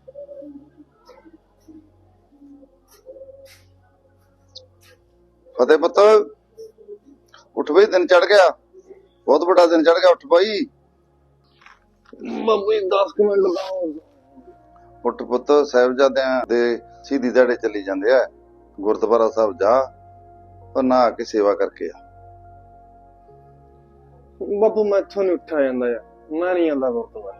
फतेह पुत उठ भाई, दिन चढ़ गया, बहुत बड़ा दिन चढ़ गया। उठ भाई। बाबू 10 मिनट लगाओ। उठ पुत, साहिबजादियां दे सीधी दिहाड़े चली जांदे आ। गुरुद्वारा साहब जा और नहा के सेवा करके आ। बापू मैं इत्थों नहीं उठा जांदा यार, मैं नहीं आंदा गुरुद्वारे।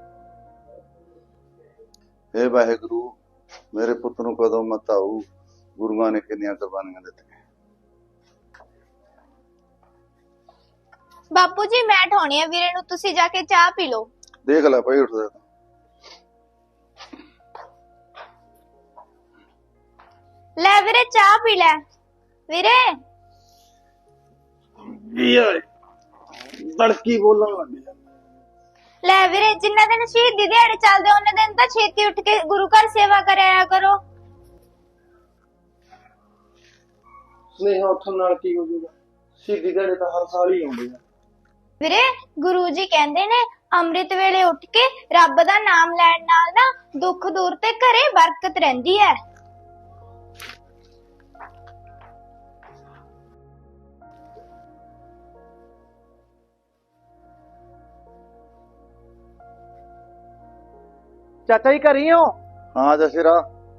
हे वाहिगुरु, मेरे पुत नूं कदों मत आऊ, गुरुआं ने किन्नियां कुर्बानियां दित्तियां। बापू जी मैं ठोनी है वीरे नू, तुसी जाके चाह पी लो। देख लै भाई, उठदा ले वीरे चाह पी ले। वीरे तड़की बोलन लग गया। ले वीरे, जिन्ना दिन शहीदी दिहाड़े चलदे उन्ने दिन तां छेती उठ के गुरु घर सेवा कराया करो। स्नेहा उठन नाल की हो जाऊगा? शहीदी दिहाड़े तां हर साल ही आउंदे आ। वीरे गुरु जी कहंदे ने अमृत वेले उठ के रब दा नाम लैण नाल ना दुख दूर ते घरे बरकत रहिंदी है। चाचा जी घर ही हो? हाँ जशीरा।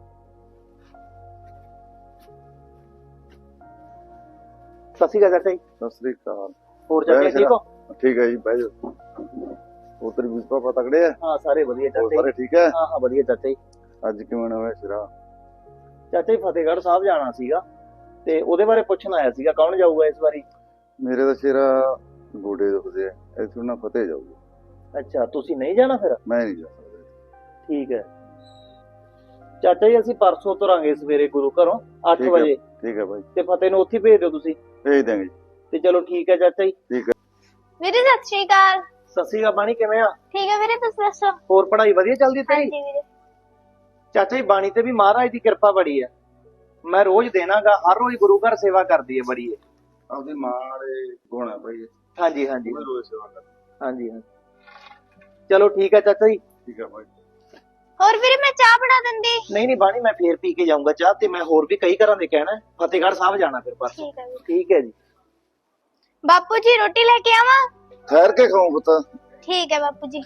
सत श्री अकाल चाचा जी। सत श्री अकाल। और चाचा ठीक हो? ठीक है जी, बह जाओ। उधर भी पापा तगड़े है? हाँ सारे बढ़िया चाचा सारे ठीक है? हाँ हाँ बढ़िया चाचा जी। ਅੱਜ ਕਿਵੇਂ ਹੋਇਆ ਸਿਰਾ? ਚਾਚਾ ਜੀ ਫਤਿਹਗੜ੍ਹ ਸਾਹਿਬ ਜਾਣਾ ਸੀਗਾ ਤੇ ਉਹਦੇ ਬਾਰੇ ਪੁੱਛਣ ਆਇਆ ਸੀਗਾ, ਕੌਣ ਜਾਊਗਾ ਇਸ ਵਾਰੀ? ਮੇਰੇ ਤਾਂ ਸਿਰਾ ਗੋਡੇ ਦੁਖਦੇ ਆ, ਇੱਥੋਂ ਨਾ ਫਤਿਹ ਜਾਊਗਾ। ਅੱਛਾ ਤੁਸੀਂ ਨਹੀਂ ਜਾਣਾ ਫਿਰ? ਮੈਂ ਨਹੀਂ ਜਾ ਸਕਦਾ। ਠੀਕ ਹੈ ਚਾਚਾ ਜੀ, ਅਸੀਂ ਪਰਸੋਂ ਤੁਰਾਂਗੇ ਸਵੇਰੇ ਗੁਰੂ ਘਰੋਂ 8 ਵਜੇ। ਠੀਕ ਹੈ ਭਾਈ। ਤੇ ਫਤਿਹ ਨੂੰ ਉੱਥੇ ਭੇਜ ਦਿਓ ਤੁਸੀਂ। ਭੇਜ ਦਾਂਗੇ ਜੀ। ਤੇ ਚਲੋ ਠੀਕ ਹੈ ਚਾਚਾ ਜੀ। ਠੀਕ ਹੈ वीरे सत श्री अकाल। ਸਤਿ ਸ਼੍ਰੀ ਅਕਾਲ ਬਾਣੀ, ਕਿਵੇਂ ਆ? ठीक है वीरे, तुसी दसो। ਹੋਰ ਪੜ੍ਹਾਈ ਵਧੀਆ ਚੱਲਦੀ हाँ ਤੇਰੀ? जी वीरे। ਚਾਚਾ ਜੀ ਬਾਣੀ ਤੇ ਵੀ ਮਹਾਰਾਜ ਦੀ ਕਿਰਪਾ ਬੜੀ ਹੈ। ਮੈਂ ਰੋਜ਼ ਦੇਣਾਗਾ, ਹਰ ਰੋਜ਼ ਗੁਰੂ ਘਰ ਸੇਵਾ ਕਰਦੀ ਹੈ ਬੜੀ ਹੈ। ਆਪਦੀ ਮਾਂ ਵਾਲੇ ਗੁਣ ਆ ਭਾਈ। ਹਾਂਜੀ ਹਾਂਜੀ ਮੈਂ ਰੋਜ਼ ਸੇਵਾ ਕਰਦਾ। ਹਾਂਜੀ ਹਾਂ ਚਲੋ ਠੀਕ ਹੈ ਚਾਚਾ ਜੀ। ਠੀਕ ਹੈ ਭਾਈ। और वीरे मैं चाह बना दिंदी। ਨਹੀਂ ਨਹੀਂ ਬਾਣੀ, ਮੈਂ ਫੇਰ ਪੀ ਕੇ ਜਾਊਂਗਾ ਚਾਹ, ਤੇ ਮੈਂ ਹੋਰ ਵੀ ਕਈ ਘਰਾਂ ਦੇ ਕਹਿਣਾ, ਫਤਿਹਗੜ੍ਹ ਸਾਹਿਬ ਜਾਣਾ ਫਿਰ ਪਰਸੋਂ। ठीक है वीरे। ਠੀਕ ਹੈ ਜੀ। बापू जी रोटी लेके आवा? ਠਹਿਰ ਕੇ ਖਾऊं ਪੁੱਤ। ठीक है बापू जी।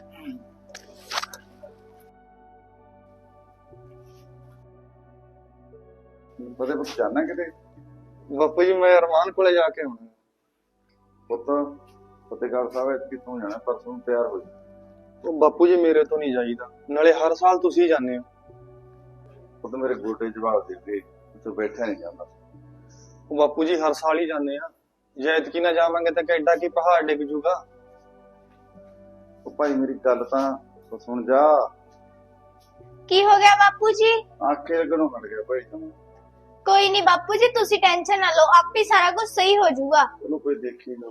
ਫਤਿਹ ਪੁੱਤ ਜਾਣਾ ਕਿਤੇ? ਬਾਪੂ ਜੀ ਮੈਂ ਅਰਮਾਨ ਕੋਲੇ ਜਾ ਕੇ ਆਉਣਾ। ਪੁੱਤ ਫਤਿਹਗੜ੍ਹ ਸਾਹਿਬ ਵਿੱਚ ਕਿੱਥੋਂ ਜਾਣਾ? ਪਰਸੋਂ ਨੂੰ ਤਿਆਰ ਹੋ ਜਾ। ਉਹ ਬਾਪੂ ਜੀ ਮੇਰੇ ਤੋਂ ਨਹੀਂ ਜਾਈਦਾ, ਨਾਲੇ ਹਰ ਸਾਲ ਤੁਸੀਂ ਜਾਂਦੇ ਹੋ। ਪੁੱਤ ਮੇਰੇ ਗੋਡੇ ਜਵਾਬ ਦੇ ਦੇ, ਤੂੰ ਬੈਠਾ ਨਹੀਂ ਜਾਂਦਾ। ਉਹ ਬਾਪੂ ਜੀ ਹਰ ਸਾਲ ਹੀ ਜਾਂਦੇ ਆ, ਜੇ ਐਤਕੀ ਨਾ ਜਾਵਾਂਗੇ ਤਾਂ ਕਿੱਡਾ ਕੀ ਪਹਾੜ ਡਿੱਗ ਜੂਗਾ। ਉਹ ਭਾਈ ਮੇਰੀ ਗੱਲ ਤਾਂ ਸੁਣ ਜਾ। की हो गया बापू जी? ਆਖੇ ਲੱਗਣੋਂ ਹਟ ਗਿਆ ਭਾਈ ਤੂੰ। कोई नहीं बापू जी, तुसी टेंशन ना लो, आप ही सारा कुछ सही हो जाऊगा। ਉਹਨੂੰ ਕੋਈ ਦੇਖੀ ਨਾ।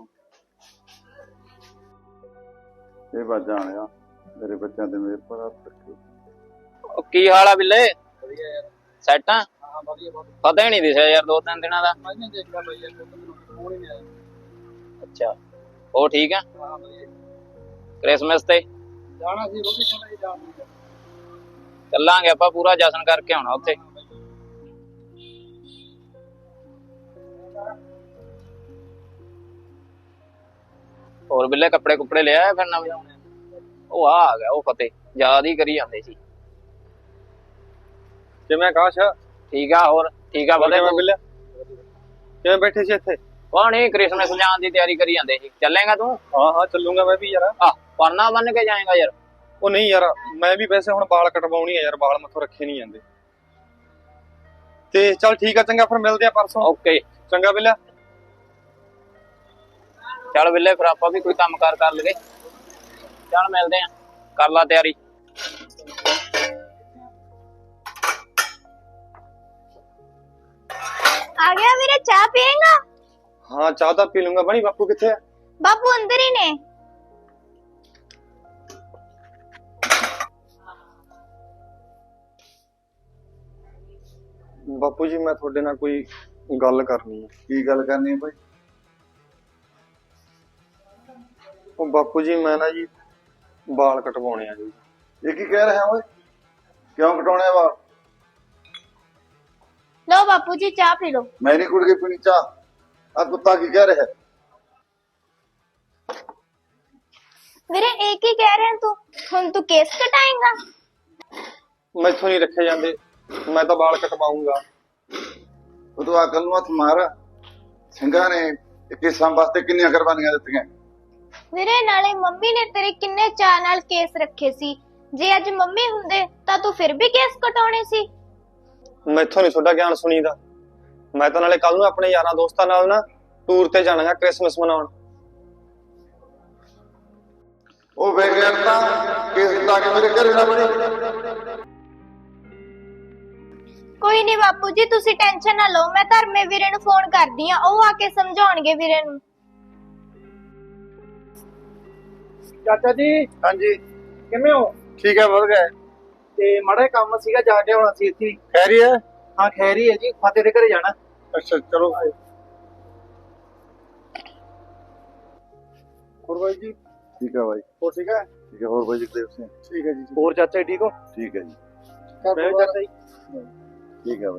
ਇਹ ਬਾਤ ਜਾਣਿਆ ਮੇਰੇ ਬੱਚਿਆਂ ਦੇ ਮੇਰੇ ਪਰ ਹੱਥ ਰੱਖਿਓ। ਕੀ ਹਾਲ ਆ ਬਿੱਲੇ? ਵਧੀਆ ਯਾਰ। ਸੈੱਟ ਆ? ਹਾਂ ਵਧੀਆ ਬਹੁਤ। ਪਤਾ ਹੀ ਨਹੀਂ ਦਿਸਿਆ ਯਾਰ 2-3 ਦਿਨਾਂ ਦਾ। ਮੈਂ ਨਹੀਂ ਦੇਖਿਆ ਬਈ ਯਾਰ, ਫੋਨ ਹੀ ਨਹੀਂ ਆਇਆ। ਅੱਛਾ ਉਹ ਠੀਕ ਆ? ਹਾਂ ਵਧੀਆ। ਕ੍ਰਿਸਮਸ ਤੇ ਜਾਣਾ ਸੀ, ਰੋਟੀ ਖਾਣ ਲਈ ਜਾਣਾ। ਚੱਲਾਂਗੇ ਆਪਾਂ, ਪੂਰਾ ਜਸ਼ਨ ਕਰਕੇ ਆਉਣਾ ਉੱਥੇ। ਹੋਰ ਬਿੱਲੇ ਕੱਪੜੇ ਕੁੱਪੜੇ ਲਿਆ ਫਿਰ ਨਵੇਂ? ਉਹ ਆ ਗਿਆ ਉਹ ਫਤਿਹ, ਯਾਦ ਹੀ ਕਰੀ ਜਾਂਦੇ ਸੀ। ਕਿਵੇਂ ਆਕਾਸ਼? ਠੀਕ ਆ। ਹੋਰ ਠੀਕ ਆ ਫਤਿਹ? ਬਿੱਲਿਆ ਕਿਵੇਂ ਬੈਠੇ ਸੀ ਇੱਥੇ? ਨਹੀਂ ਕ੍ਰਿਸਮਸ ਜਾਣ ਦੀ ਤਿਆਰੀ ਕਰੀ ਜਾਂਦੇ ਸੀ। ਚੱਲੇਗਾ ਤੂੰ? ਹਾਂ ਹਾਂ ਚੱਲੂਗਾ ਮੈਂ ਵੀ ਯਾਰ। ਆ ਪਰਨਾ ਬੰਨ ਕੇ ਜਾਏਗਾ ਯਾਰ? ਉਹ ਨਹੀਂ ਯਾਰ, ਮੈਂ ਵੀ ਵੈਸੇ ਹੁਣ ਵਾਲ ਕਟਵਾਉਣੀ ਆ ਯਾਰ, ਵਾਲ ਮੈਥੋਂ ਰੱਖੇ ਨਹੀਂ ਜਾਂਦੇ। ਤੇ ਚੱਲ ਠੀਕ ਆ, ਚੰਗਾ ਫਿਰ ਮਿਲਦੇ ਆ ਪਰਸੋਂ। ਓਕੇ ਚੰਗਾ ਬਿੱਲਿਆ। ਚੱਲ ਬਿੱਲੇ ਫਿਰ ਆਪਾਂ ਵੀ ਕੋਈ ਕੰਮ ਕਾਰ ਕਰ ਲਈਏ। ਚੱਲ ਮਿਲਦੇ ਆ, ਕਰ ਲਾ ਤਿਆਰੀ। आ गया वीरे, चाह पिएगा? हाँ चाह तो पी लूंगा। बनी बापू किथे है? बापू अंदर ही ने। बापू जी मैं थोड़े ना कोई गल करनी है। ਕੀ ਗੱਲ ਕਰਨੀ ਹੈ ਭਾਈ? ਉਹ ਬਾਪੂ ਜੀ ਮੈਂ ਨਾ ਜੀ ਵਾਲ ਕਟਵਾਉਣੇ ਆ ਜੀ। ਇਹ ਕੀ ਕਹਿ ਰਿਹਾ ਓਏ? ਕਿਉਂ ਕਟਾਉਣੇ ਵਾਲ? ਲਓ ਬਾਪੂ ਜੀ ਚਾਹ ਪੀ ਲਓ। ਮੈਂ ਨਹੀਂ ਕੁੜ ਕੇ ਪੀਣੀ ਚਾਹ। ਆ ਕੁੱਤਾ ਕੀ ਕਹਿ ਰਿਹਾ? ਵੀਰੇ ਇਹ ਕੀ ਕਹਿ ਰਿਹਾ ਤੂੰ? ਹੁਣ ਤੂੰ ਕੇਸ ਕਟਾਏਂਗਾ? ਮੈਥੋਂ ਨਹੀਂ ਰੱਖੇ ਜਾਂਦੇ, ਮੈਂ ਤਾਂ ਵਾਲ ਕਟਵਾਉਂਗਾ। ਉਹ ਤੂੰ ਅਕਲ ਨੂੰ ਹੱਥ ਮਾਰ। ਸਿੰਘਾਂ ਨੇ ਕੇਸਾਂ ਵਾਸਤੇ ਕਿੰਨੀਆਂ ਕੁਰਬਾਨੀਆਂ ਦਿੱਤੀਆਂ। ਵੀਰੇ ਨਾਲੇ ਮੰਮੀ ਨੇ ਤੇਰੇ ਕਿੰਨੇ ਚਾਅ ਨਾਲ ਕੇਸ ਰੱਖੇ ਸੀ। ਜੇ ਅੱਜ ਮੰਮੀ ਹੁੰਦੇ ਤਾਂ ਤੂੰ ਫਿਰ ਵੀ ਕੇਸ ਕਟਾਉਣੇ ਸੀ। ਮੈਥੋਂ ਨਹੀਂ ਤੁਹਾਡਾ ਗਿਆਨ ਸੁਣੀਦਾ। ਮੈਂ ਤਾਂ ਨਾਲੇ ਕੱਲ ਨੂੰ ਆਪਣੇ ਯਾਰਾਂ ਦੋਸਤਾਂ ਨਾਲ ਨਾ ਟੂਰ ਤੇ ਜਾਣਾਗਾ ਕ੍ਰਿਸਮਸ ਮਨਾਉਣ। ਉਹ ਬੇਗੈਰਤਾ ਕੇਸ ਕਟਾ ਕੇ ਮੇਰੇ ਘਰੇ ਨਾ ਬਣੀ। ਕੋਈ ਨਹੀਂ ਬਾਪੂ ਜੀ ਤੁਸੀਂ ਟੈਨਸ਼ਨ ਨਾ ਲਓ, ਮੈਂ ਧਰਮੇ ਵੀਰੇ ਨੂੰ ਫੋਨ ਕਰਦੀ ਆ, ਉਹ ਆ ਕੇ ਸਮਝਾਉਣਗੇ ਵੀਰੇ ਨੂੰ। ਚਾਚਾ ਜੀ ਹਾਂਜੀ ਕਿਵੇਂ ਹੋ? ਠੀਕ ਹੈ, ਵਧ ਗਏ। ਤੇ ਮਾੜਾ ਕੰਮ ਸੀਗਾ, ਜਾ ਕੇ ਆਉਣਾ ਸੀ ਇੱਥੇ। ਖੈਰੀ ਹੈ? ਹਾਂ ਖੈਰੀ ਹੈ ਜੀ, ਫਤਿਹ ਦੇ ਘਰੇ ਜਾਣਾ। ਅੱਛਾ ਚਲੋ। ਹੋਰ ਬਾਈ ਜੀ? ਠੀਕ ਹੈ ਬਾਈ। ਹੋਰ ਠੀਕ ਹੈ? ਠੀਕ ਹੈ। ਹੋਰ ਬਾਈ ਜਗਦੇਵ ਸਿੰਘ? ਠੀਕ ਹੈ ਜੀ। ਹੋਰ ਚਾਚਾ ਜੀ ਠੀਕ ਹੋ? ਠੀਕ ਹੈ ਜੀ। ਮੈਂ ਚਾਚਾ ਜੀ ਠੀਕ ਹੈ ਬਾਈ।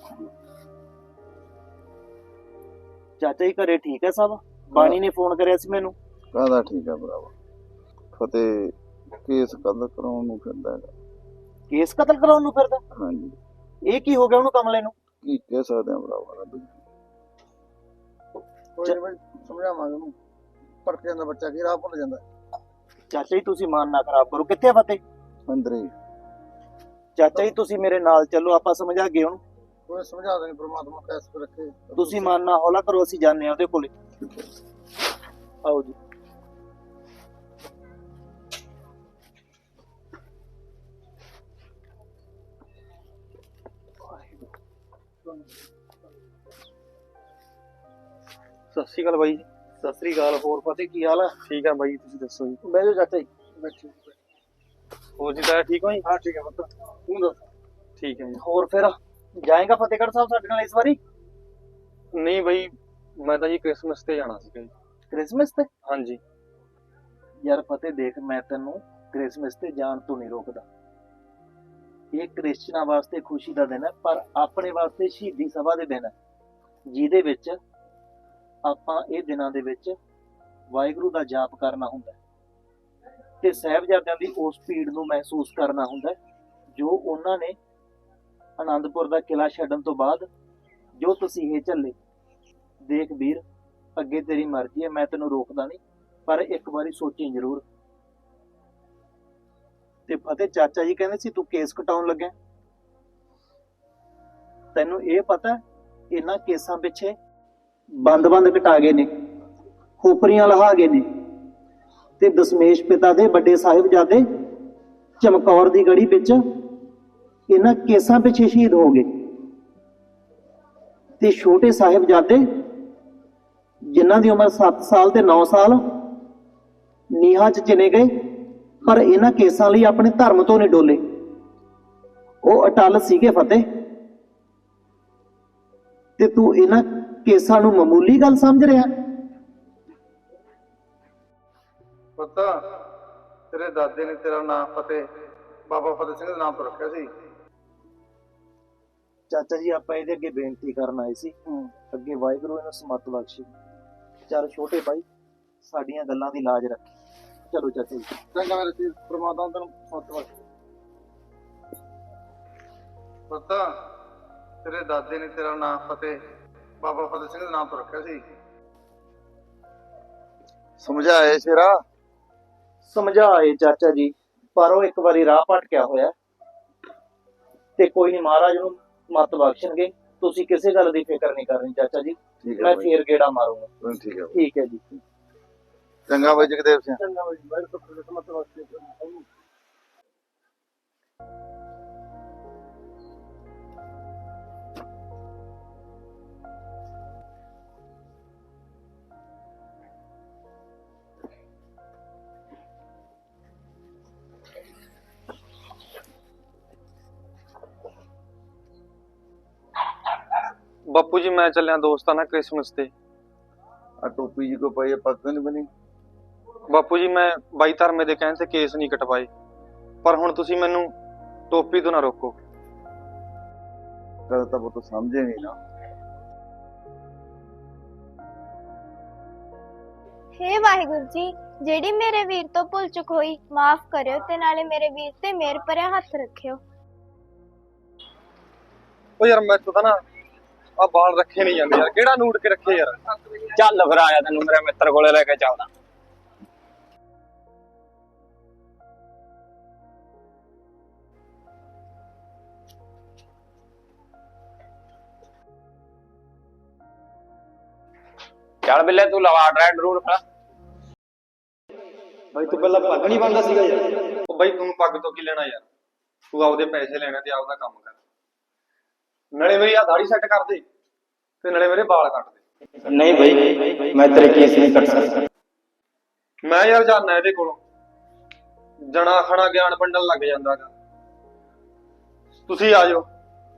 ਚਾਚਾ ਜੀ ਘਰੇ ਠੀਕ ਹੈ ਸਭ? ਬਾਣੀ ਨੇ ਫੋਨ ਕਰਿਆ ਸੀ ਮੈਨੂੰ। ਕਾਹਦਾ ਠੀਕ ਹੈ ਭਰਾਵਾ? ਫਤਿਹ ਕੇਸ ਕਤਲ ਕਰਾਉਣ ਨੂੰ ਫਿਰਦਾ ਹੈਗਾ। ਕੇਸ ਕਤਲ ਕਰਾਉਣ ਨੂੰ ਫਿਰਦਾ? ਹਾਂਜੀ। ਇਹ ਕੀ ਹੋ ਗਿਆ ਉਹਨੂੰ ਕਮਲੇ ਨੂੰ? ਕੀ ਕਹਿ ਸਕਦੇ ਆ ਭਰਾਵਾ? ਕੋਈ ਨਹੀਂ ਬਾਈ, ਸਮਝਾਵਾਂਗੇ ਉਹਨੂੰ। ਭੜਕ ਜਾਂਦਾ ਬੱਚਾ, ਕੀ ਰਾਹ ਭੁੱਲ ਜਾਂਦਾ। ਚਾਚਾ ਜੀ ਤੁਸੀਂ ਮਨ ਨਾ ਖਰਾਬ ਕਰੋ। ਕਿੱਥੇ ਆ ਫਤਿਹ? ਅੰਦਰ ਹੀ। ਚਾਚਾ ਜੀ ਤੁਸੀਂ ਮੇਰੇ ਨਾਲ ਚੱਲੋ, ਆਪਾਂ ਸਮਝਾ ਗਏ ਉਹਨੂੰ। ਕੋਈ ਸਮਝਾ ਦੇਣੀ, ਪ੍ਰਮਾਤਮਾ ਕੈਸ ਰੱਖੇ। ਤੁਸੀਂ ਮਨ ਨਾ ਹੌਲਾ ਕਰੋ, ਅਸੀਂ ਜਾਂਦੇ ਆ ਉਹਦੇ ਕੋਲੇ। ਆਓ ਜੀ। ਸਤਿ ਸ਼੍ਰੀ ਅਕਾਲ ਬਾਈ ਜੀ। ਸਤਿ ਸ੍ਰੀ ਅਕਾਲ। ਹੋਰ ਫਤਿਹ ਕੀ ਹਾਲ ਆ? ਠੀਕ ਆ ਬਾਈ, ਤੁਸੀਂ ਦੱਸੋ ਜੀ? ਬਹਿ ਜਾਓ ਚਾਚਾ ਜੀ। ਬੈਠੋ। ਹੋਰ ਜੀ ਤਾਇਆ ਠੀਕ ਹੋ ਜੀ? ਹਾਂ ਠੀਕ ਹੈ ਪੁੱਤ, ਤੂੰ ਦੱਸ? ਠੀਕ ਹੈ ਜੀ। ਹੋਰ ਫਿਰ ਜਾਏਗਾ ਫਤਿਹਗੜ੍ਹ ਸਾਹਿਬ ਸਾਡੇ ਨਾਲ ਇਸ ਵਾਰੀ? ਨਹੀਂ ਬਾਈ, ਮੈਂ ਤਾਂ ਜੀ ਕ੍ਰਿਸਮਸ ਤੇ ਜਾਣਾ ਸੀਗਾ ਜੀ। ਕ੍ਰਿਸਮਸ ਤੇ? ਹਾਂਜੀ। ਯਾਰ ਫਤਿਹ ਦੇਖ, ਮੈਂ ਤੈਨੂੰ ਕ੍ਰਿਸਮਸ ਤੇ ਜਾਣ ਤੋਂ ਨਹੀਂ ਰੋਕਦਾ। ਇਹ ਕ੍ਰਿਸਚਨਾਂ ਵਾਸਤੇ ਖੁਸ਼ੀ ਦਾ ਦਿਨ ਹੈ, ਪਰ ਆਪਣੇ ਵਾਸਤੇ ਸ਼ਹੀਦੀ ਸਭਾ ਦੇ ਦਿਨ ਹੈ, ਜਿਹਦੇ ਵਿੱਚ ਆਪਾਂ ਇਹ ਦਿਨਾਂ ਦੇ ਵਿੱਚ ਵਾਹਿਗੁਰੂ ਦਾ ਜਾਪ ਕਰਨਾ ਹੁੰਦਾ ਹੈ ਤੇ ਸਾਹਿਬਜ਼ਾਦਿਆਂ ਦੀ ਉਸ ਭੀੜ ਨੂੰ ਮਹਿਸੂਸ ਕਰਨਾ ਹੁੰਦਾ ਹੈ ਜੋ ਉਹਨਾਂ ਨੇ ਆਨੰਦਪੁਰ ਦਾ ਕਿਲਾ ਛੱਡਣ ਤੋਂ ਬਾਅਦ ਜੋ ਤਸੀਹੇ ਝੱਲੇ। ਦੇਖ ਵੀਰ, ਅੱਗੇ ਤੇਰੀ ਮਰਜ਼ੀ ਹੈ, ਮੈਂ ਤੈਨੂੰ ਰੋਕਦਾ ਨਹੀਂ, ਪਰ ਇੱਕ ਵਾਰੀ ਸੋਚੀ ਜ਼ਰੂਰ। ਤੇ ਫਤਿਹ ਚਾਚਾ ਜੀ ਕਹਿੰਦੇ ਸੀ ਤੂੰ ਕੇਸ ਕਟਾਉਣ ਲੱਗਾ। ਤੈਨੂੰ ਇਹ ਪਤਾ ਇਹਨਾਂ ਕੇਸਾਂ ਪਿੱਛੇ ਬੰਦ ਕਟਾ ਗਏ ਨੇ, ਖੋਪਰੀਆਂ ਲਹਾ ਗਏ ਨੇ, ਤੇ ਦਸ਼ਮੇਸ਼ ਪਿਤਾ ਦੇ ਵੱਡੇ ਸਾਹਿਬਜ਼ਾਦੇ ਚਮਕੌਰ ਦੀ ਗੜੀ ਵਿੱਚ ਇਹਨਾਂ ਕੇਸਾਂ ਪਿੱਛੇ ਸ਼ਹੀਦ ਹੋ ਗਏ। ਤੇ ਛੋਟੇ ਸਾਹਿਬਜ਼ਾਦੇ ਜਿਨ੍ਹਾਂ ਦੀ ਉਮਰ 7 ਸਾਲ ਤੇ 9 ਸਾਲ ਨੀਹਾਂ 'ਚ ਚਿਣੇ ਗਏ, ਪਰ ਇਹਨਾਂ ਕੇਸਾਂ ਲਈ ਆਪਣੇ ਧਰਮ ਤੋਂ ਨਹੀਂ ਡੋਲੇ। ਉਹ ਅਟਲ ਸੀਗੇ ਫਤਿਹ। ਤੇ ਤੂੰ ਇਹਨਾਂ ਕੇਸਾਂ ਨੂੰ ਮਾਮੂਲੀ ਗੱਲ ਸਮਝ ਰਿਹਾ? ਪਤਾ ਤੇਰੇ ਦਾਦੇ ਨੇ ਤੇਰਾ ਨਾਮ ਫਤਿਹ ਬਾਬਾ ਫਤਿਹ ਸਿੰਘ ਦੇ ਨਾਮ ਤੋਂ ਰੱਖਿਆ ਸੀ। ਚਾਚਾ ਜੀ ਆਪਾਂ ਇਹਦੇ ਅੱਗੇ ਬੇਨਤੀ ਕਰਨ ਆਏ ਸੀ, ਅੱਗੇ ਵਾਹਿਗੁਰੂ ਇਹਨੂੰ ਸਮਤ ਬਖਸ਼ੇ। ਚੱਲ ਛੋਟੇ ਭਾਈ, ਸਾਡੀਆਂ ਗੱਲਾਂ ਦੀ ਲਾਜ ਰੱਖੀ। ਚਲੋ ਚਾਚਾ ਜੀ। ਚੰਗਾ ਮੇਰੇ ਸੀ, ਪ੍ਰਮਾਤਮਾ ਤੈਨੂੰ ਸਮਤ ਬਖਸ਼ੇ। ਪਤਾ ਤੇਰੇ ਦਾਦੇ ਨੇ ਤੇਰਾ ਨਾਮ ਫਤਿਹ ਬਾਬਾ ਫਤਿਹ ਸਿੰਘ ਦੇ ਨਾਮ ਤੋਂ ਰੱਖਿਆ ਸੀ। ਸਮਝਾਏ ਸ਼ੇਰਾ? ਸਮਝਾਏ ਚਾਚਾ ਜੀ, ਪਰ ਉਹ ਇੱਕ ਵਾਰੀ ਰਾਹ ਭਟਕਿਆ ਹੋਇਆ ਤੇ ਕੋਈ ਨਹੀਂ, ਮਹਾਰਾਜ ਨੂੰ ਮਤ ਬਖਸ਼ਣਗੇ। ਤੁਸੀਂ ਕਿਸੇ ਗੱਲ ਦੀ ਫਿਕਰ ਨਹੀਂ ਕਰਨੀ ਚਾਚਾ ਜੀ, ਮੈਂ ਫੇਰ ਗੇੜਾ ਮਾਰੂੰਗਾ। ਠੀਕ ਹੈ। ਠੀਕ ਹੈ ਜੀ। ਚੰਗਾ ਬਾਈ ਜਗਦੇਵ ਸਿੰਘ। ਚੰਗਾ ਬਾਈ, ਵਾਹਿਗੁਰੂ ਸਮਤ ਬਖਸ਼ੇ। ਬਾਪੂ ਜੀ ਮੈਂ ਚੱਲਿਆ ਦੋਸਤਾਂ ਨਾਲ ਕ੍ਰਿਸਮਸ ਤੇ। ਆ ਟੋਪੀ ਜੀ ਕੋ ਪਾਈ, ਪੱਗ ਨਹੀਂ ਬਣੀ। ਬਾਪੂ ਜੀ ਮੈਂ ਬਾਈ ਧਰਮੇ ਦੇ ਕਹਿਣ ਤੇ ਕੇਸ ਨਹੀਂ ਕਟਵਾਏ, ਪਰ ਹੁਣ ਤੁਸੀਂ ਮੈਨੂੰ ਟੋਪੀ ਤੋਂ ਨਾ ਰੋਕੋ। ਗੱਲ ਤਾਂ ਪੁੱਤ ਸਮਝੇ ਨਹੀਂ ਨਾ। ਹੇ ਵਾਹਿਗੁਰੂ ਜੀ, ਜਿਹੜੀ ਮੇਰੇ ਵੀਰ ਤੋਂ ਭੁੱਲ ਚੁੱਕ ਹੋਈ ਮਾਫ ਕਰਿਓ ਤੇ ਨਾਲੇ ਮੇਰੇ ਵੀਰ ਤੇ ਮਿਹਰ ਭਰਿਆ ਹੱਥ ਰੱਖਿਓ। ਉਹ ਯਾਰ ਮੈਥੋਂ ਤਾਂ ਨਾ ਆ ਬਾਲ ਰੱਖੇ ਨਹੀਂ ਜਾਂਦੇ ਯਾਰ, ਕਿਹੜਾ ਨੂੜ ਕੇ ਰੱਖੇ ਯਾਰ। ਚੱਲ ਫਿਰ ਆਇਆ ਤੈਨੂੰ ਮੇਰੇ ਮਿੱਤਰ ਕੋਲੇ ਲੈ ਕੇ ਚੱਲਦਾ। ਚੱਲ ਬਿੱਲੇ ਤੂੰ ਲਵਾ ਡਰਾਈਵ ਰੂਟ ਪਾ। ਬਾਈ ਤੂੰ ਪਹਿਲਾਂ ਪੱਗ ਨਹੀਂ ਬੰਨਦਾ ਸੀਗਾ ਯਾਰ। ਉਹ ਬਾਈ ਤੂੰ ਪੱਗ ਤੋਂ ਕੀ ਲੈਣਾ ਯਾਰ, ਤੂੰ ਆਪਦੇ ਪੈਸੇ ਲੈਣੇ ਤੇ ਆਪਦਾ ਕੰਮ ਕਰ। ਨਾਲੇ ਮੇਰੀ ਆ ਦਾੜੀ ਸੈੱਟ ਕਰ ਦੇ ਤੇ ਨਾਲੇ ਮੇਰੇ ਵਾਲ ਕੱਟ ਦੇ। ਨਹੀਂ ਬਈ ਮੈਂ ਤੇਰੇ ਕੇਸ ਨਹੀਂ ਕੱਟ ਸਕਦਾ। ਮੈਂ ਯਾਰ ਜਾਣਾ ਇਹਦੇ ਕੋਲੋਂ, ਜਣਾ ਖਣਾ ਗਿਆਨ ਵੰਡਣ ਲੱਗ ਜਾਂਦਾ ਗਾ। ਤੁਸੀਂ ਆ ਜਾਓ।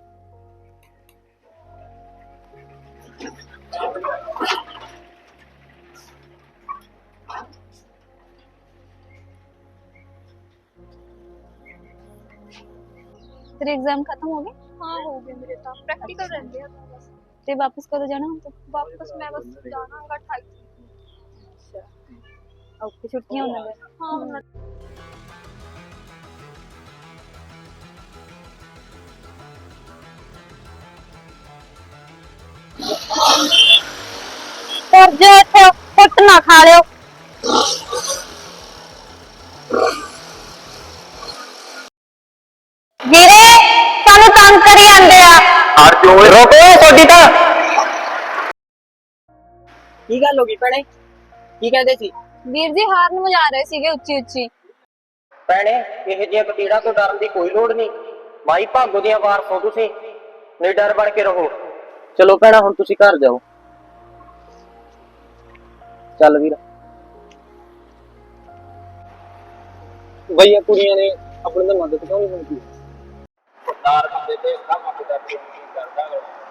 तेरे एग्जाम खत्म हो गए? हाँ हो गए मेरे तो प्रैक्टिकल रहते हैं बस। ते वापस कदों जाना हम तो? वापस मैं बस जाना होगा 28। अच्छा ओके, छुट्टियां होने गए। हाँ होना। और जो इथे कुट ना खा लियो। ਵੀਰੇ ਸਾਨੂੰ ਤੰਗ ਕਰੀ ਜਾਂਦੇ ਆ। ਹਟ ਜੋ ਰੋਕੋ ਤੁਹਾਡੀ ਤਾਂ। ਕੀ ਗੱਲ ਹੋ ਗਈ ਭੈਣੇ, ਕੀ ਕਹਿੰਦੇ ਸੀ? ਵੀਰ ਜੀ ਹਾਰਨ ਵਜਾ ਰਹੇ ਸੀਗੇ ਉੱਚੀ ਉੱਚੀ। ਭੈਣੇ ਇਹ ਜਿਹੀਆਂ ਕਤੀੜਾਂ ਤੋਂ ਡਰਨ ਦੀ ਕੋਈ ਲੋੜ ਨਹੀਂ। ਮਾਈ ਭਾਗੋ ਦੀਆਂ ਵਾਰਸ ਹੋ ਤੁਸੀਂ, ਨਿਡਰ ਬਣ ਕੇ ਰਹੋ। ਚਲੋ ਭੈਣਾ ਹੁਣ ਤੁਸੀਂ ਘਰ ਜਾਓ। ਚੱਲ ਵੀਰ। ਬਈ ਇਹ ਕੁੜੀਆਂ ਨੇ ਆਪਣੇ ਨਾਲ ਮਦਦ ਕਿਉਂ ਨਹੀਂ ਮੰਗੀ? ਸਰਦਾਰ ਬੰਦੇ ਤੇ ਕੰਮ ਕਰਦਾ ਕਰਦਾ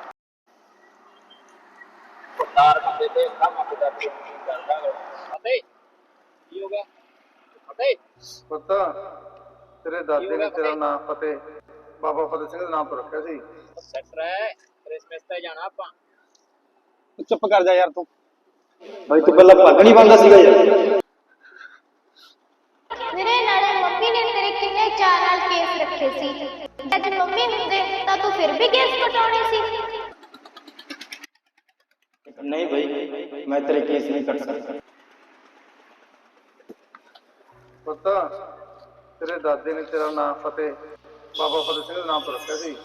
ਸਰਦਾਰ ਬੰਦੇ ਤੇ ਕੰਮ ਕਰਦਾ ਅਤੇ ਕੀ ਹੋ ਗਿਆ ਅਤੇ ਪੁੱਤ ਤੇਰੇ ਦਾਦੇ ਨੇ ਤੇਰਾ ਨਾਮ ਫਤਿਹ ਬਾਬਾ ਫਤਿਹ ਸਿੰਘ ਦੇ ਨਾਮ ਤੋਂ ਰੱਖਿਆ ਸੀ। ਸੈਟਰ ਹੈ ਕ੍ਰਿਸਮਸ ਤੇ ਜਾਣਾ ਆਪਾਂ। ਚੁੱਪ ਕਰ ਜਾ ਯਾਰ ਤੂੰ। ਬਾਈ ਤੂੰ ਪਹਿਲਾਂ ਪੱਗ ਨਹੀਂ ਬੰਨਦਾ ਸੀਗਾ ਯਾਰ। ਮੇਰੇ ਨਾਲੇ ਮੰਮੀ ਨੇ ਤੇਰੇ ਕਿੰਨੇ ਚਾਅ ਨਾਲ ਕੇਸ ਰੱਖੇ ਸੀ। ਜੇ ਮੰਮੀ ਹੁੰਦੇ ਤਾਂ ਤੂੰ ਫਿਰ ਵੀ ਕੇਸ ਕਟਾਉਣੇ ਸੀ। ਨਹੀਂ ਬਈ ਮੈਂ ਤੇਰੇ ਕੇਸ ਨਹੀਂ ਕੱਟ ਸਕਦਾ। ਪੁੱਤ ਤੇਰੇ ਦਾਦੇ ਨੇ ਤੇਰਾ ਨਾਮ ਫਤਿਹ ਬਾਬਾ ਫਤਿਹ ਸਿੰਘ ਦੇ ਨਾਮ ਤੋਂ ਰੱਖਿਆ ਸੀ।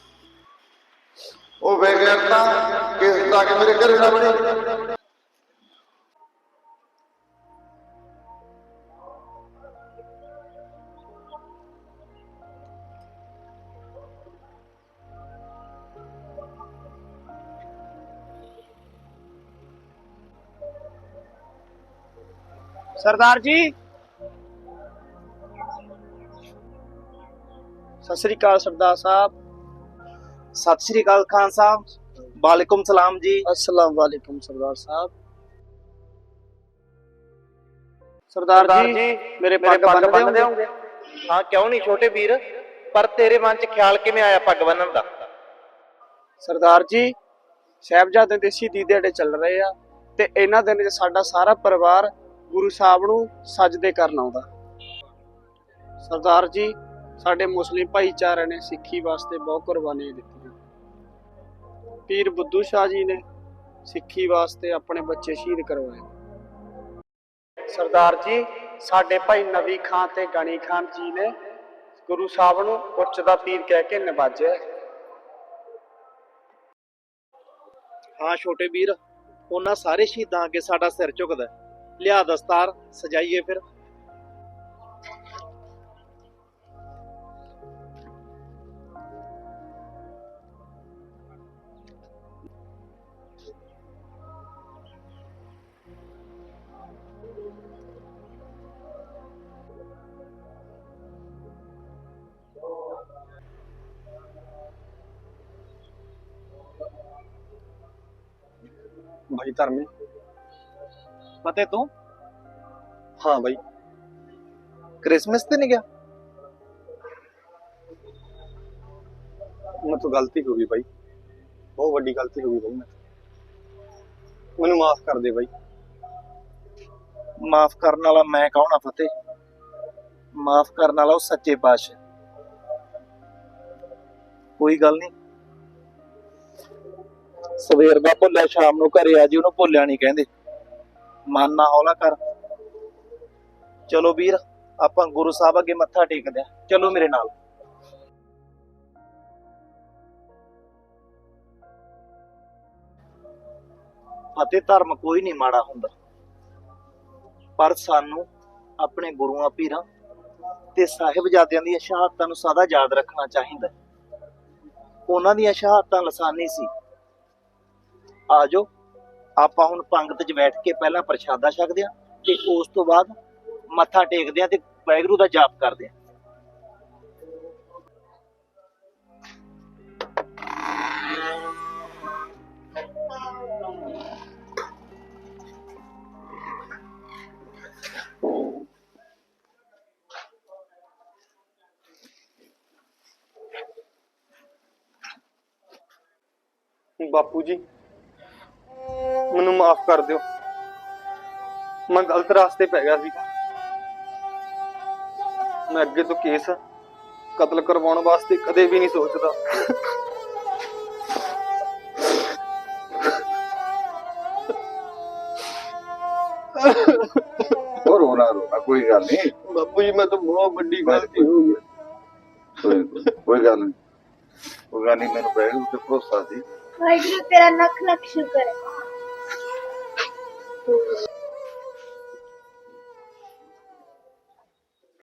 ਉਹ ਬੇਗੈਰਤਾ ਕਿਸ ਦਾ ਕੇ ਮੇਰੇ ਘਰੇ ਨਾ ਬਣੀ। सरदार जी सत श्री अकाल सरदार साहब। सत श्री अकाल खान साहब। वालेकुम सलाम जी। अस्सलाम वालेकुम सरदार साहब। सरदार जी मेरे पग बन देंगे? हाँ क्यों नहीं छोटे वीर, पर तेरे मन च ख्याल किवें आया पग बन्नण दा? सरदार जी साहिबजादे दे शहीदी दिहाड़े चल रहे आ ते इन्हां दिनां च साडा सारा परिवार गुरु साहब नूं सजदे करन आउंदा। सरदार जी साडे मुस्लिम भाईचारे ने सिੱਖੀ वास्ते बहुत कुर्बानियां दित्तियां। पीर बुद्धू शाह जी ने सिੱਖੀ वास्ते अपने बच्चे शहीद करवाए। सरदार जी साडे भाई नवी खान ते गनी खान जी ने गुरु साहब नूं उच्च दा पीर कह के नवाजिया। हाँ छोटे वीर, उन्हां सारे शहीदां अगे साडा सिर झुकदा। लिया दस्तार सजाइए फिर। भाई धर्मी फतेह तू हाँ भाई क्रिसमस ते नहीं गया? ਮੈਥੋਂ ਗਲਤੀ ਹੋ ਗਈ ਬਾਈ, ਬਹੁਤ ਵੱਡੀ ਗਲਤੀ ਹੋ ਗਈ ਬਾਈ। ਮੈਨੂੰ ਮਾਫ ਕਰ ਦੇ ਬਾਈ। ਮਾਫ ਕਰਨ ਵਾਲਾ ਮੈਂ ਕੌਣ ਆ ਫਤਿਹ? ਮਾਫ ਕਰਨ ਵਾਲਾ ਉਹ ਸੱਚੇ ਪਾਤਸ਼ਾਹ। ਕੋਈ ਗੱਲ ਨਹੀਂ, ਸਵੇਰ ਦਾ ਭੁੱਲਿਆ ਸ਼ਾਮ ਨੂੰ ਘਰੇ ਆ ਜੀ, ਉਹਨੂੰ ਭੁੱਲਿਆ ਨਹੀਂ ਕਹਿੰਦੇ। ਮਨ ਨਾ ਹੌਲਾ ਕਰ। ਚਲੋ ਵੀਰ, ਆਪਾਂ ਗੁਰੂ ਸਾਹਿਬ ਅੱਗੇ ਮੱਥਾ ਟੇਕਦੇ ਆ। ਚਲੋ ਮੇਰੇ ਨਾਲ। ਅਤੇ ਧਰਮ ਕੋਈ ਨਹੀਂ ਮਾੜਾ ਹੁੰਦਾ, ਪਰ ਸਾਨੂੰ ਆਪਣੇ ਗੁਰੂਆਂ ਪੀਰਾਂ ਤੇ ਸਾਹਿਬਜ਼ਾਦਿਆਂ ਦੀਆਂ ਸ਼ਹਾਦਤਾਂ ਨੂੰ ਸਦਾ ਯਾਦ ਰੱਖਣਾ ਚਾਹੀਦਾ। ਉਹਨਾਂ ਦੀਆਂ ਸ਼ਹਾਦਤਾਂ ਲਾਸਾਨੀ ਸੀ। ਆਜੋ ਆਪਾਂ ਹੁਣ ਪੰਗਤ 'ਚ ਬੈਠ ਕੇ ਪਹਿਲਾਂ ਪ੍ਰਸ਼ਾਦਾ ਛਕਦੇ ਆ ਤੇ ਉਸ ਤੋਂ ਬਾਅਦ ਮੱਥਾ ਟੇਕਦੇ ਆ ਤੇ ਵਾਹਿਗੁਰੂ ਦਾ ਜਾਪ ਕਰਦੇ ਆ। ਬਾਪੂ ਜੀ, ਮੈਨੂੰ ਮਾਫ ਕਰ ਦਿਓ। ਮੈਂ ਗਲਤ ਰਾਸਤੇ ਪੈ ਗਿਆ ਸੀਗਾ। ਮੈਂ ਅੱਗੇ ਤੋਂ ਕੇਸ ਕਤਲ ਕਰਵਾਉਣ ਵਾਸਤੇ ਕਦੇ ਵੀ ਨਹੀਂ ਸੋਚਦਾ। ਹੋਰ ਰੋਣਾ ਕੋਈ ਗੱਲ ਨਹੀਂ ਬਾਪੂ ਜੀ, ਮੈਂ ਤਾਂ ਬਹੁਤ ਵੱਡੀ ਗਲਤੀ ਹੋ ਗਈ। ਕੋਈ ਗੱਲ ਨਹੀਂ, ਕੋਈ ਗੱਲ ਨਹੀਂ। ਮੈਨੂੰ ਵਾਹਿਗੁਰੂ ਤੇ ਭਰੋਸਾ ਸੀ। ਵਾਹਿਗੁਰੂ ਤੇਰਾ ਲੱਖ ਲੱਖ ਸ਼ੁਕਰ ਹੈ।